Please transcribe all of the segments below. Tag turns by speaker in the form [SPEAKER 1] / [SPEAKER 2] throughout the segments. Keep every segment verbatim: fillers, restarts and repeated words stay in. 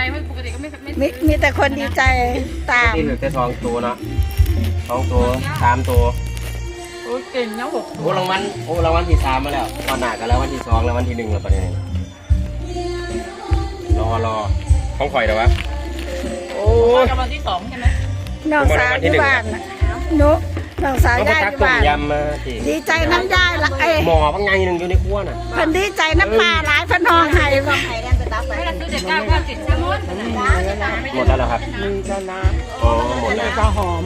[SPEAKER 1] ไม่ปกติก็ไม่ไม่
[SPEAKER 2] มีมีแต่คนดีใจตาม
[SPEAKER 3] ที่เหลือแต่ทองตัวเนาะทองตัวสามตัว
[SPEAKER 1] โอ้เก่งนะหก
[SPEAKER 3] โอ้รางวัลโอ้รางวัลที่สามมาแล้ววันหน้ากันแล้ววันที่สองแล้ววันที่หนึ่งแล้วประเด็นรอรอของข่อยเดี๋ยววะโอ้
[SPEAKER 1] รางวัลที่สองใช่ไหม
[SPEAKER 2] น้องสาวที่บ้านน่ะหนุน้องสาว
[SPEAKER 3] ต้องไป
[SPEAKER 2] ได้
[SPEAKER 3] ตัก
[SPEAKER 2] ที่
[SPEAKER 3] ต้ม
[SPEAKER 2] บ้าน
[SPEAKER 3] ยำมาที
[SPEAKER 2] ดีใจน้ำยายละเอ้ย
[SPEAKER 3] หมอบางไงหนึ่งอยู่ในครัวน่ะ
[SPEAKER 2] เพิ่นดีใจน้ำปลาหลายเพิ่นห้องไห้
[SPEAKER 1] ไม่ได้ซื้อเด็กเก้าเก้าสิบใช่ไหม
[SPEAKER 3] หมดแล้วเหรอครับ
[SPEAKER 4] มีกระน้
[SPEAKER 3] อ๋อหม
[SPEAKER 4] ำ
[SPEAKER 3] ด
[SPEAKER 4] มี
[SPEAKER 3] แล้ว
[SPEAKER 4] กระหอม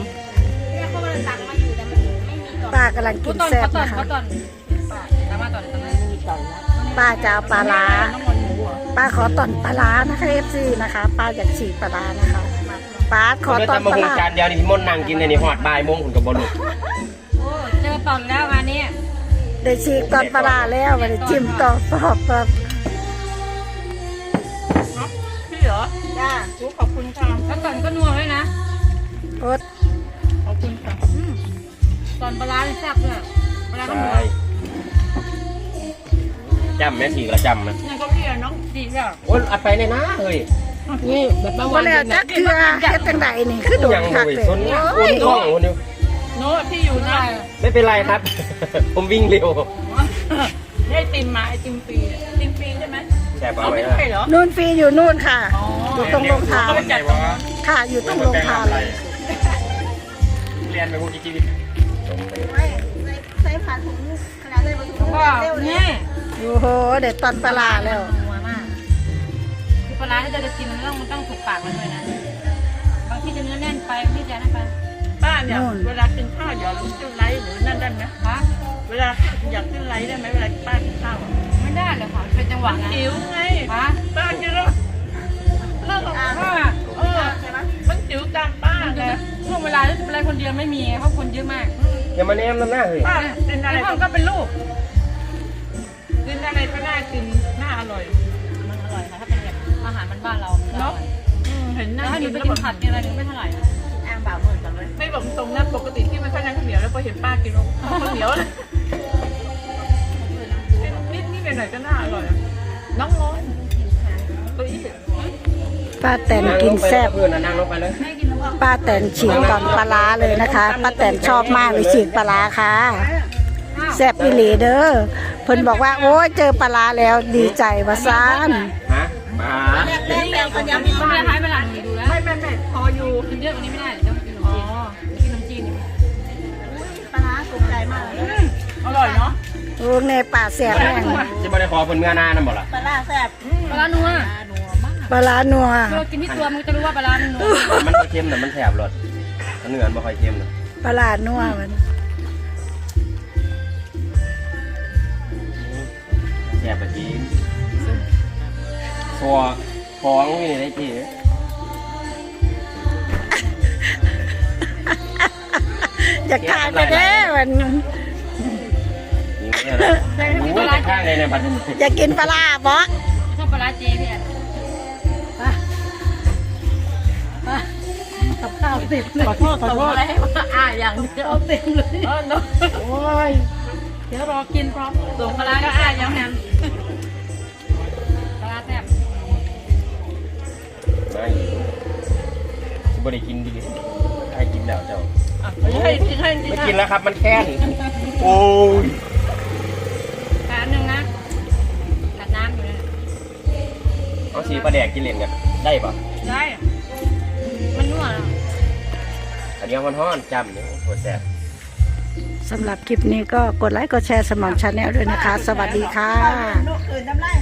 [SPEAKER 2] ป้ากำลังกิ
[SPEAKER 1] กู
[SPEAKER 2] น
[SPEAKER 1] ต้น
[SPEAKER 2] แซ่บ
[SPEAKER 1] ก็ต้น
[SPEAKER 2] นะคะ
[SPEAKER 1] ก็ต้นตามมาต้นตามมา
[SPEAKER 4] มีไก่นะ
[SPEAKER 2] ป้าจะเอาปลาร้า
[SPEAKER 1] น้องมันหมูอ่ะ
[SPEAKER 2] ป้าขอต่อนปลาร้านะคะเอฟซีนะคะป้าอยากฉีกปลาร้านะคะป้าขอ
[SPEAKER 3] เดี๋ยว
[SPEAKER 2] ต่อน
[SPEAKER 3] ทำมา
[SPEAKER 2] ปลา
[SPEAKER 3] หุง
[SPEAKER 2] ร้า
[SPEAKER 3] จานเดียวนี่ที่มนต์นั่งกินในนี่หอดบ่ายโมงคุณกับบอลลูก
[SPEAKER 1] โอ้เจอต้นแล้วงานนี้
[SPEAKER 2] ได้ฉีกตอนปลาร้าแล้วมาได้จิ้มต่อปอบปอบ
[SPEAKER 1] พี่เหรอจ้ากูขอบคุณค่ะแล้วต้นก็นัวเลยนะ
[SPEAKER 2] โอด
[SPEAKER 1] ขอบคุณค่ะตอนปลาแซ่บเลยปลาก็นัว
[SPEAKER 3] ใช่จำแม่สีกระจำนะ
[SPEAKER 1] นี่ก็พี่น้องดีอ่ะ
[SPEAKER 3] โอ้ยอัดไปเลยนะเฮ้ย
[SPEAKER 4] นี่แบบบาง
[SPEAKER 2] บ่
[SPEAKER 4] วัน
[SPEAKER 2] แล้วจักเทือเฮ็ดจังไดนี่คือโดน
[SPEAKER 3] ยัง
[SPEAKER 2] คัก
[SPEAKER 3] เลย
[SPEAKER 2] เลย
[SPEAKER 3] ชน
[SPEAKER 2] โอ้
[SPEAKER 3] คน
[SPEAKER 2] ย
[SPEAKER 3] ท้องคนเดียว
[SPEAKER 1] โน้ตพี่อยู่ได้
[SPEAKER 3] ไม่เป็นไรครับ ผมวิ่งเร็ว
[SPEAKER 1] ได้ติมมาไอติมฟรีติมฟรีใช่ไหม
[SPEAKER 3] แสบ
[SPEAKER 1] เอา
[SPEAKER 3] เอาไว้
[SPEAKER 1] ไม่
[SPEAKER 3] นะ
[SPEAKER 1] ใช่เหรอ
[SPEAKER 2] นู่นฟรีอยู่นู่นค่ะ
[SPEAKER 1] อ๋อ
[SPEAKER 2] อยู่ตรงโรงทาน
[SPEAKER 1] เขาไปจัดตรงนั้น
[SPEAKER 2] ค่ะอยู่ตรงโรงทานเลย
[SPEAKER 3] เรียนไปพวกจีจี
[SPEAKER 2] ใส่ผัดถุงขนาดเลยบ่ถุง
[SPEAKER 1] ก็นี่
[SPEAKER 2] โอ้โหเด็ดตอนปลาร้าแล้ว
[SPEAKER 1] นัวมากคือปลาที่เราจะกินมันต้องมันต้องถูกปากมันด้วยนะบางที่จะเนื้อแน่นไปบางที่จะนั่นไปป้าเนี่ยเวลากินข้าวเดี๋ยวขึ้นไลท์หรือนั่นได้ไหมคะเวลาอยากขึ้นไลท์ได้ไหมเวลาป้ากินข้าวไม่ได้เลยค่ะเป็นจังหวะจิ๋วไงป้ากินแล้วเลิกกับป้าเออมันจิ๋วตามป้าเลยช่วงเวลาที่เป็นอะไรคนเดียวไม่มีเพราะคนเยอะมาก
[SPEAKER 3] อย่ามาแนมน้ำหน้าเฮ้ย
[SPEAKER 1] ป้ากินอะไรก็เป็นลูกกินอะไรก็น่ากินน่าอร่อยมันอร่อยค่ะถ้าเป็นแบบอาหารบ้านเราเนาะเห็นนั่งกินแล้วกินผัดกินอะไรไม่เท่าไหร่อ้างบ่าวเหมือนกันเลยไม่บอกตรงนะปกติที่มันค่อยนั่งข้าวเหนียวแล้วพอเห็นป้ากินข้าวเหนียวเลยนิดนิดหน่อยๆก็น่าอร่อยน้องร้อนตัวอี้
[SPEAKER 2] ป้าแตนกินแซ่บ
[SPEAKER 3] เพื่อนนั่งลงไปเลย
[SPEAKER 2] ป้าแตนฉีกตอนปลาร้าเลยนะคะป้าแตนชอบมากเลยฉีกปลาร้าค่ะแซ่บอีหลีเด้อเพิ่นบอกว่าโอ้ยเจอปลาร้าแล้วดีใจว่าซ่าน
[SPEAKER 3] ฮะมา
[SPEAKER 1] แรกแรกคนยังมีบ้านท้ายเวลาดูแล้วไม่ไม่ไม่พออยู่กินเยอะกว่านี้ไม่ได้เดี๋ยวกินขนมจีนกินขนมจีนปลาร้าสุกใจมากอร่อยเนาะ
[SPEAKER 2] โอ้ในป่าแซ่บแม่ง
[SPEAKER 3] จะมาได้ขอคนเมื่อนานั่นบ่ล่ะ
[SPEAKER 1] ปลาร้าแซ่บปลาร้านัว
[SPEAKER 2] ปลาร้านัว
[SPEAKER 1] เรากินที่ตัวมันจะรู้ว่าปลาร้ามันนัว
[SPEAKER 3] มันเค็มแต่มันแสบรสมันเหนือนบ่ค่อยเค็มนะ
[SPEAKER 2] ปลาร้านัวมัน
[SPEAKER 3] แสบแบบนี้ตัวท้องนี่ได้จี
[SPEAKER 2] อยากทานไปเด้อมัน
[SPEAKER 3] นี่เนี่ยนะข้างในเนี่ยบัด
[SPEAKER 2] อยากกินปลาร้าบ่
[SPEAKER 1] ชอบปลาร้าเจพี่อ่ะ
[SPEAKER 2] กับข้าวติดเลย
[SPEAKER 1] ขอโทษขอโทษอะไรให้ว่าอ่าอย่างเดียวเต็มเลยเออเนาะ
[SPEAKER 2] โอ้ย
[SPEAKER 1] เดี๋ยวรอกินพร้อมส่งปลาร้าก็อ่าอย่างนั้นปลาร้าแซ่บ
[SPEAKER 3] ไม่บ่ได้กินดีให้กินแล้วเจ้า
[SPEAKER 1] ให้กินให้กิน
[SPEAKER 3] ไม่กินแล้วครับมันแค้นโอ้ย
[SPEAKER 1] การหนึ่งนะกัดน้ำอยู่นะ
[SPEAKER 3] เอาสีปลาแดกกินเล่นกันได้ปะ
[SPEAKER 1] ได้มันนัวแล้ว
[SPEAKER 3] อันนี้มันฮ้อนจำเนี่ยโคตรแซ่บ
[SPEAKER 2] สำหรับคลิปนี้ก็กดไลค์กดแชร์สมองชาแนลด้วยนะคะ สวัสดีค่ะ
[SPEAKER 4] อื่นทำไร